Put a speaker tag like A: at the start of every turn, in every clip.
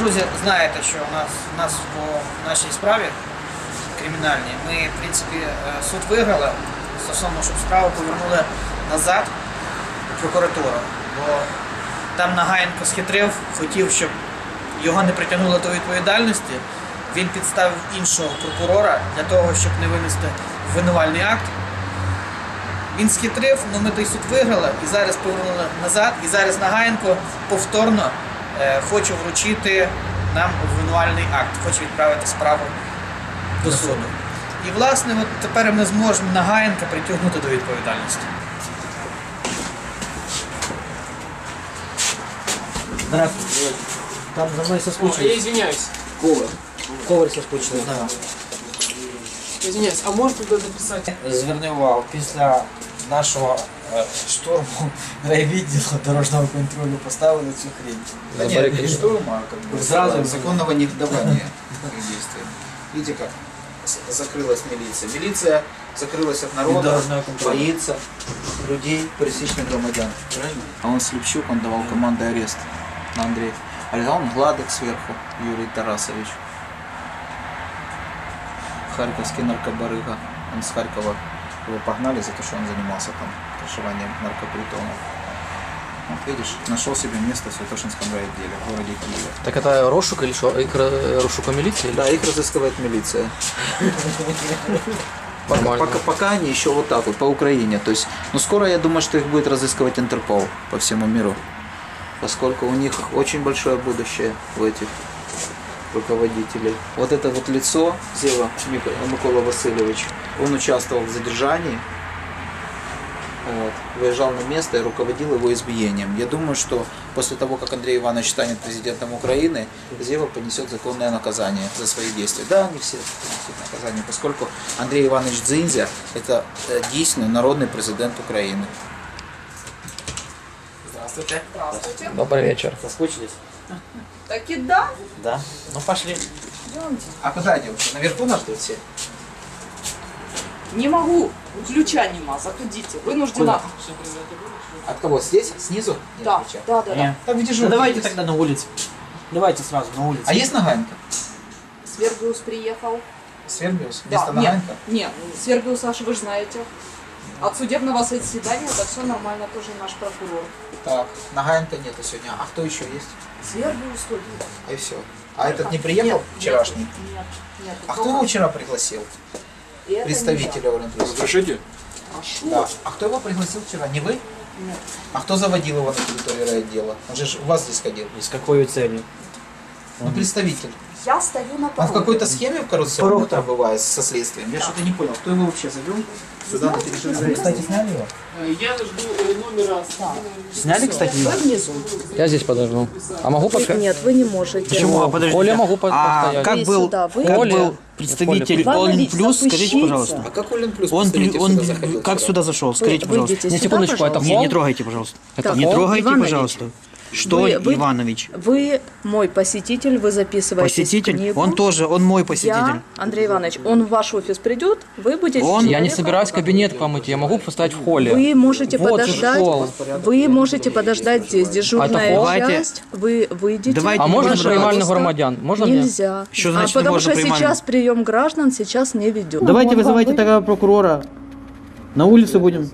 A: Друзі, знаєте, що у нас по нашій справі кримінальній, ми, в принципі, суд виграли стосовно, щоб справу повернули назад у прокуратуру. Бо там Нагаєнко схитрив, хотів, щоб його не притягнули до відповідальності. Він підставив іншого прокурора для того, щоб не винести обвинувальний акт. Він схитрив, але ми той суд виграли і зараз повернули назад. І зараз Нагаєнко повторно хоче вручити нам обвинувальний акт, хоче відправити справу до суду. І, власне, от тепер ми зможемо Нагаєнка притягнути до відповідальності. Здравствуйте. Там за мною соскучились.
B: Я извиняюсь.
A: Коваль соскучились, да.
B: Извиняюсь, а можете туда написать?
A: Зверни увагу, після нашого штурму райвідділу дорожнього контролю поставили цю хрень.
C: Да нет, не штурм, а как бы
A: Сразу
C: законного негодования их действий. Видите как? Закрылась милиция. Милиция закрылась от народа, боится людей, пересечных громадян. Правильно? А он Слепчук, он давал команды арест на Андрея. А он Гладок сверху, Юрий Тарасович. Харьковский наркобарыга. Он с Харькова, его погнали за то, что он занимался там крышеванием наркопритонов. Вот видишь, нашел себе место в Святошинском райотделе в городе Киеве.
D: Так это розшук или что? Их розшука милиции?
C: Да, их разыскивает милиция. Пока они еще вот так вот, по Украине. То есть, ну скоро я думаю, что их будет разыскивать Интерпол по всему миру. Поскольку у них очень большое будущее в этих руководителей. Вот это вот лицо, Зева Микола Васильевич, он участвовал в задержании, вот, выезжал на место и руководил его избиением. Я думаю, что после того, как Андрей Иванович станет президентом Украины, Зева понесет законное наказание за свои действия. Да, они все понесут наказание, поскольку Андрей Иванович Дзиндзя – это действительно народный президент Украины.
A: Здравствуйте.
E: Здравствуйте.
D: Добрый вечер.
A: Соскучились?
E: Так и да.
A: Да. Ну пошли.
E: Идемте.
A: А куда идем? Наверху нас ждут все?
E: Не могу. Ключа нема. Заходите. Вынуждена.
C: От кого? Здесь? Снизу? Нет,
E: Да,
C: ключа.
E: да, да, да.
C: Там где же
A: давайте тогда на улице. Давайте сразу на улице.
C: А есть Нагаенко?
E: Свергиус приехал.
C: Свербиус?
E: Да,
C: Вместо
E: нет,
C: Нагаенко?
E: нет. Свергиус, Саша, вы же знаете. От судебного заседания это все нормально, тоже наш прокурор.
C: Так, Нагаенко нету сегодня. А кто еще есть?
E: Свергиус тут.
C: И все. А этот не приехал вчерашний?
E: Нет, нет.
C: А кто его вчера пригласил? Представителя Олимпийского.
B: Разрешите?
E: Прошу.
C: Да. А кто его пригласил вчера? Не вы?
E: Нет.
C: А кто заводил его на территории райотдела? Он же у вас здесь ходил.
A: И с какой целью?
C: Ну, представитель.
E: Я стою на
C: Он в
E: пороге.
C: какой-то схеме в коррупционной пробывает со следствием? Я что-то не понял. Кто его вообще завел сюда на территорию?
A: Кстати, сняли его?
B: Я жду номера.
A: Сняли, кстати, его?
E: Вы внизу.
D: Я здесь подожду. А могу пока?
E: Нет, вы не можете.
A: Почему? А подождите.
D: Коля могу
A: А
D: постоять.
A: как
E: Вы
A: был,
E: сюда, вы-
A: как
D: Коля.
A: был представитель
E: Коля.
A: All
E: Вам
A: Plus, скажите,
E: запущите.
A: пожалуйста.
C: А как Олен Плюс
A: Он
C: представитель
A: сюда
C: заходил
A: как
C: вчера?
A: сюда зашел? Скажите,
E: Вы
A: пожалуйста.
E: выйдите
D: Не,
E: сюда,
D: секундочку, это
E: пожалуйста.
A: Не трогайте, пожалуйста.
E: Так,
A: Не
E: Ол
A: трогайте,
E: Иванович.
A: пожалуйста. Что
E: Вы-
A: Иванович?
E: Вы мой посетитель, вы записываетесь в
A: Посетитель?
E: книгу.
A: Он тоже, он мой посетитель.
E: Я, Андрей Иванович, он в ваш офис придет, вы будете...
A: Он-
D: Я не
E: человеком-
D: собираюсь кабинет к вам идти, я могу поставить в холле.
E: Вы можете
D: Вот же
E: подождать,
D: холл.
E: вы можете подождать здесь, дежурная
D: холл?
A: Давайте-
E: часть, вы выйдете.
A: Давайте
D: А можно
E: пожалуйста.
D: приймальных громадян? Можно мне?
E: Нельзя.
A: Что значит не
E: потому
A: можно
E: что
A: приймальных?
E: сейчас прием граждан сейчас не ведет.
A: Давайте вызывайте тогда прокурора. На улице будем.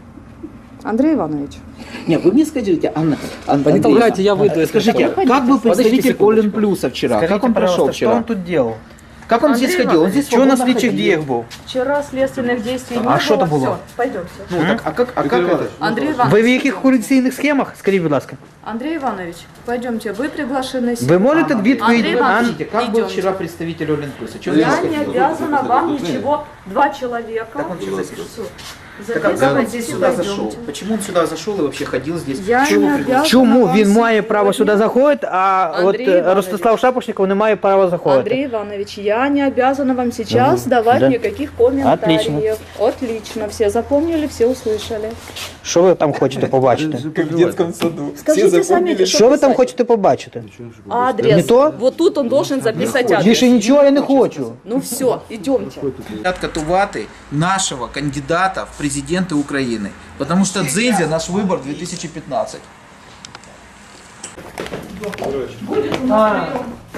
E: Андрей Иванович.
C: Нет, вы мне скажите, Анна,
D: Не толкайте, я выйду. если
C: скажите,
D: что.
C: как был представитель
D: секундочку.
C: Олен Плюса вчера? Как он прошел вчера?
A: Что он тут делал?
C: Как он
E: Андрей
C: здесь ходил? Он здесь
A: Что на
C: свободно
A: слідчих
C: ходил.
A: діях був?
E: Вчера следственных действий не
A: А
E: было.
A: что это было?
E: Всё, пойдемте.
C: Ну так, а как это?
E: Андрей
A: Ви
E: Иванович,
A: в яких корупційних схемах? Скажіть, будь ласка.
E: Андрей Иванович, пойдемте, вы приглашены.
A: Ви можете відповідь?
E: Андрей Иванович,
C: Подождите, как был
E: идемте.
C: вчера представитель Олен Плюса? Чего
E: Я
C: здесь
E: не
C: ходил?
E: обязана вам ничего. Два человека.
C: Так он что запишет?
E: Всё.
C: Так а как он здесь
E: Записывайтесь,
C: сюда зашел?
E: идемте.
C: Почему он сюда зашел и вообще ходил здесь?
E: Я
C: Чего
E: не
C: его пригласили?
E: обязана.
A: Чому
E: вам
A: він має право
E: сьогодні-
A: сюди заходити, а от
E: Андрій Іванович.
A: Ростислав Шапошников не має права заходити?
E: Андрей Иванович, я не обязана вам сейчас давать
A: да.
E: никаких комментариев.
A: Отлично.
E: Отлично. Все запомнили, все услышали.
A: Що ви там хочете побачити?
C: Как в детском саду.
E: Скажите сами,
A: Що ви там хочете побачити?
E: Адрес.
A: Не то?
E: Вот тут он должен записать адрес.
A: Більше нічого я не хочу.
E: Ну все, идемте.
C: Катувати нашего кандидата в президенты Украины. Потому что Дзиндзя наш выбор 2015.
E: Будет у нас прием.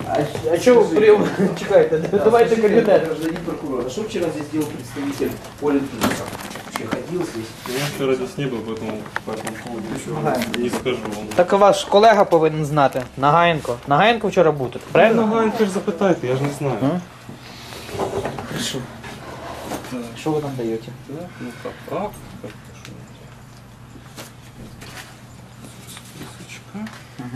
B: А что вы прям чекаете? Давайте кабинет.
C: Гражданин прокурор, а что вчера здесь делал представитель Олен Плюсов? Вообще ходил здесь?
F: Я вчера здесь не был, поэтому по этому поводу ничего не скажу вам.
B: Так ваш колега повинен знати. Нагаєнко. Нагаєнко вчора був тут, правильно?
F: Ганька ж запитайте, я ж не знаю.
C: Хорошо. Что вы там даете?
F: Так, ну так, так. Списочка.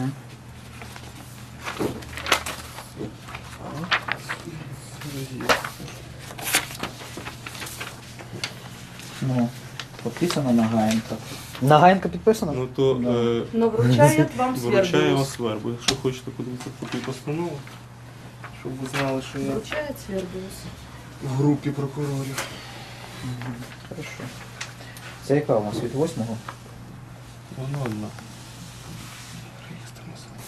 C: Ну, подписано Нагаенко.
B: Нагаєнко підписано?
F: Ну то
E: Но вручает вам
F: виручаю вас
E: Свердловск.
F: Свербу. Якщо хочете подивитися копію постанови, щоб ви знали, що я
E: Вручает Свердловск.
F: в групі прокурорів.
C: Хорошо. Це яка у нас від 8-го?
F: Воно одна. Реєстр населення.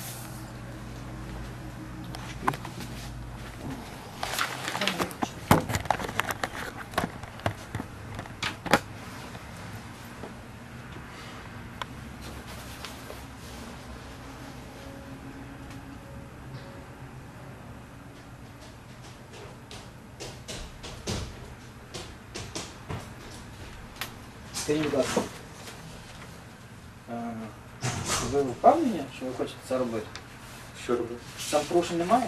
A: Скажіть, будь ласка, ви впевнені, що ви хочете це робити?
F: Що робити?
A: Там порушень немає?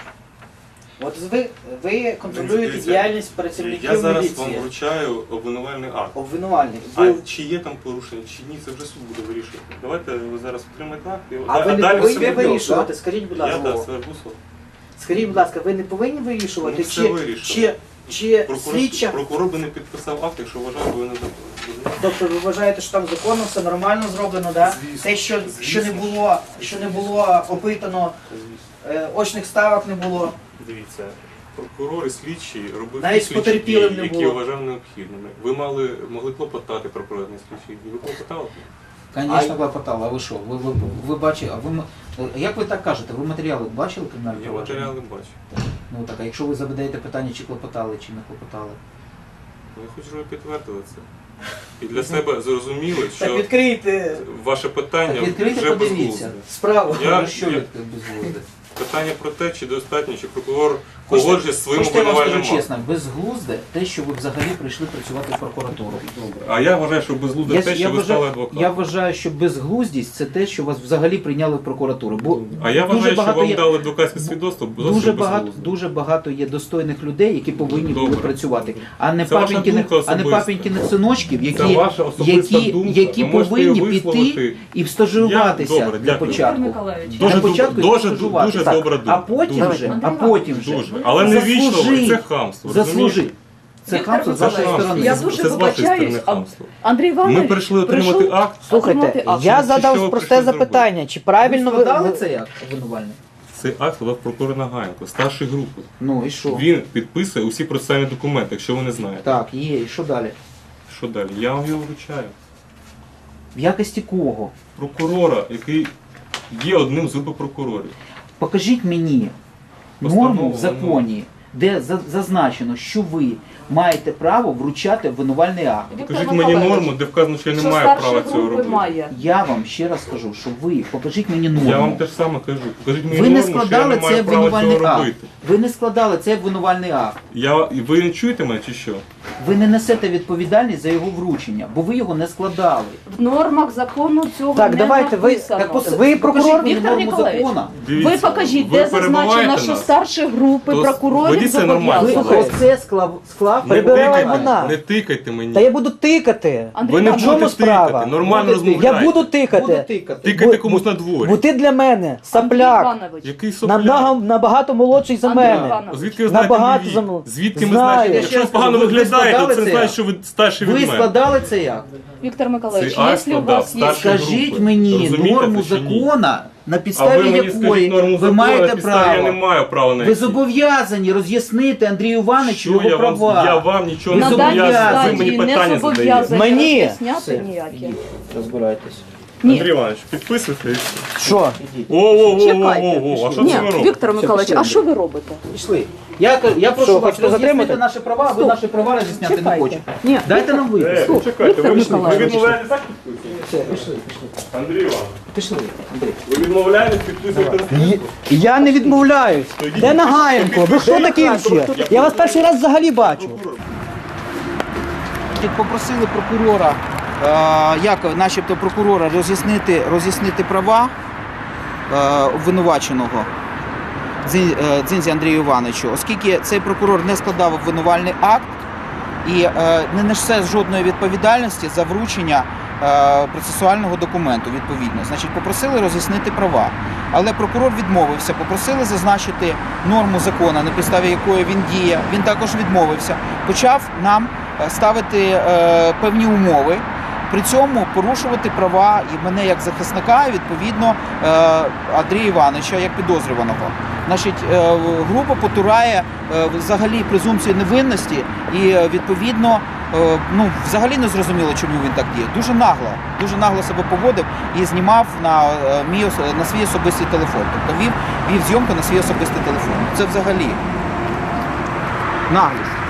A: От ви контролюєте
F: Дивіться,
A: діяльність працівників
F: Я зараз
A: міліції.
F: вам вручаю обвинувальний акт.
A: Обвинувальник.
F: А чи є там порушення, чи ні, це вже суд буде вирішувати. Давайте ви зараз отримаєте акт, і
A: А ви не
F: далі
A: повинні
F: все
A: вирішувати, скажіть, будь
F: Я
A: ласка.
F: так, Свербусов.
A: Скажіть, будь ласка, ви не повинні вирішувати,
F: Ми все
A: чи
F: вирішили.
A: слідча.
F: Прокурор би не підписав акт, якщо вважав, що ви не забули.
A: Тобто ви вважаєте, що там законно все нормально зроблено, да?
F: Звісно.
A: Те, що не було опитано, очних ставок не було.
F: Дивіться, прокурор і слідчий робив
A: Навіть
F: ті слідчі
A: потерпілим
F: дії,
A: не
F: які
A: було.
F: вважав необхідними. Ви могли клопотати про проведення слідчих дій. Ви клопотали?
C: Конечно, клопотало. А ви що? Ви бачили, як ви так кажете? Ви матеріали бачили кримінальні
F: Я
C: провадження?
F: матеріали бачу.
C: Ну так, а якщо ви задаєте питання, чи клопотали, чи не клопотали?
F: Я хочу, щоб ви підтвердили це. І для себе зрозуміли,
A: Так
F: що
A: відкрийте,
F: ваше питання
C: Так відкрийте,
F: вже
C: подивіться.
F: безглузде.
A: справу.
F: Я-
C: Що
F: я-
C: ви безглузде?
F: Питання про те, чи достатньо, чи прокурор погоджує з своїм
C: Хочете, я вам
F: обвинувальним
C: скажу
F: актом.
C: чесно, безглузде те, що ви взагалі прийшли працювати в прокуратуру.
F: А я вважаю, що безглузде те, що ви стали адвокатом.
C: я вважаю, що безглуздість це те, що вас взагалі прийняли в прокуратуру. Бо
F: А я
C: дуже
F: вважаю, що
C: багато
F: вам
C: є-
F: дали адвокатське свідоцтво, зовсім безглузде.
C: дуже багато є достойних людей, які повинні були
F: Добре.
C: працювати, а не
F: Це ваша
C: папінькиних,
F: думка
C: а не
F: особиста.
C: папінькиних синовчиків,
F: Це ваша особиста думка.
C: які
F: Ви можете її
C: повинні піти
F: висловити.
C: і стажуватися
F: Я- добре,
C: для
F: дякую.
C: початку.
E: Віктор Миколаївич,
F: Дуже
C: Для
F: доб-
C: початку
F: дуже-
C: стажуватися.
F: дуже
C: Так,
F: добра думка.
C: А потім
F: Дуже.
C: вже,
F: Дуже. Але не вічно,
C: Заслужи.
F: це хамство.
C: заслужи.
F: розумієте?
C: Це
E: Віктор
C: хамство з вашої
E: Миколаївич,
C: сторони.
E: я
F: Це
E: дуже
F: з вашої
E: вибачаюсь,
F: сторони
E: а
F: хамство.
E: Андрій Іванович
F: Ми прийшли отримати
E: прийшов
F: акт.
B: Слухайте,
E: отримати акт.
B: я
F: Що ви
B: задав просте
F: прийшли
B: запитання, чи
C: Ви
B: правильно
C: складали це як обвинувальник?
F: Цей акт складав прокурор Нагаєнко, старшої групи.
C: Ну і що?
F: Він підписує усі процесуальні документи, якщо ви не знаєте.
C: Так, є, і що далі?
F: Що далі? Я вам його вручаю.
C: В якості кого?
F: Прокурора, який є одним з групи прокурорів.
C: Покажіть мені
F: Постанову
C: норму в законі, де зазначено, що ви маєте право вручати обвинувальний акт.
E: Віктор
F: Покажіть мені
E: Миколаївич,
F: норму, де вказано, що я не
E: що
F: маю
E: старші
F: права цього
E: групи
F: робити.
E: має.
C: Я вам ще раз кажу, що ви покажіть мені норму.
F: Я вам те ж саме кажу. Покажіть мені
C: Ви не
F: норму, що я
C: складали
F: не
C: цей
F: маю права
C: обвинувальний
F: цього
C: акт.
F: робити.
C: Ви не складали цей обвинувальний акт.
F: Ви не чуєте мене чи що?
C: Ви не несете відповідальність за його вручення, бо ви його не складали.
E: В нормах закону цього
B: Так,
E: не
B: давайте, ви-
E: написано.
C: Так,
B: Ви
C: покажіть
B: прокурор,
C: мені
E: Віктор
C: норму
E: Ніколаєвич?
C: закону.
F: Дивіться,
E: Ви покажіть,
F: ви
E: де зазначено,
F: перебиваєте
E: що
F: нас.
E: старші групи
F: То
E: прокурорів
F: ведіть себе нормально.
C: Ви
E: зобов'язані.
C: оце склав.
F: Не
B: Прибирай
F: тикайте,
B: вона.
F: не тикайте мені.
B: Та я буду тикати.
E: Андрій
F: Ви не
B: в
E: Іванович,
B: чому
F: будете
B: справа?
F: тикати, нормально
C: Будете тикати.
F: розмовляйте.
B: Я буду
C: Буду
B: тикати.
C: тикати.
F: Тикайте
B: Бу-
F: комусь на дворі.
B: Бо ти для мене
E: Андрій
B: сопляк.
E: Іванович,
F: Який сопляк?
B: Набагато молодший за
E: Андрій
B: мене.
E: Іванович,
F: Звідки ви знаєте
B: Набагато
F: мій
B: за
F: вік?
B: мною.
F: Звідки ми
B: Знаю.
F: знаєте?
B: Я
F: Якщо ви
C: ще
F: погано
C: раз кажу, ви
F: виглядаєте,
C: складали
F: це
C: це
F: значить,
C: як?
F: що ви старший
C: Ви
F: від мене.
C: складали це як?
E: Віктор Миколаївич,
F: Цей акт
E: якщо у
F: складав
E: вас є...
F: старший
C: Скажіть
F: групи.
C: мені
F: Розумієте
C: норму
F: це чи ні?
C: закона, на
F: А ви
C: підставі
F: мені
C: якої
F: скажіть норму
C: ви
F: закону,
C: маєте
F: на підставі я не
C: право.
F: маю права на
C: Ви зобов'язані роз'яснити Андрію Івановичу
F: Що
C: його
F: я вам,
C: права.
F: я вам нічого
C: Ви
F: не
E: На даній
F: зобов'язаний, ви мені
E: стадії не
F: питання задаєте.
E: зобов'язані
B: Мені?
E: роз'ясняти
C: Все,
E: ніякі.
C: розбирайтесь.
F: Андрій Іванович, підписуйте і все.
B: Що?
F: О, а що
E: Ні,
F: це ви робите?
E: Віктор Миколаївич, а що ви робите?
C: Пішли. Я прошу
B: Що,
C: вас
B: хочете
C: роз'яснити
B: затримати?
C: наші права, ви наші права роз'ясняти не
E: Чекайте.
C: хочете.
E: Ні,
C: Дайте нам вийти.
F: Чекайте,
E: Віктор
F: ви
E: Миколаївич.
F: відмовляєтесь так підписувати?
C: Все, пішли.
F: Андрій Іванович,
C: Пішли, Андрій.
F: ви відмовляєтесь підписувати розписку?
B: Я не відмовляюсь. Де Нагаєнко? Ви хто такий ще? Я вас перший раз взагалі бачу.
C: Попросили прокурора, начебто прокурора роз'яснити права обвинуваченого Дзинзі Андрію Івановичу, оскільки цей прокурор не складав обвинувальний акт і не несе жодної відповідальності за вручення процесуального документу, відповідно. Значить, попросили роз'яснити права. Але прокурор відмовився, попросили зазначити норму закону, на підставі якої він діє. Він також відмовився. Почав нам ставити певні умови, при цьому порушувати права і мене як захисника, і відповідно Андрія Івановича як підозрюваного. Значить, група потурає взагалі презумпцію невинності і відповідно взагалі не зрозуміло, чому він так діє. Дуже нагло себе поводив і знімав на свій особистий телефон. Тобто вів зйомку на свій особистий телефон. Це взагалі наглість.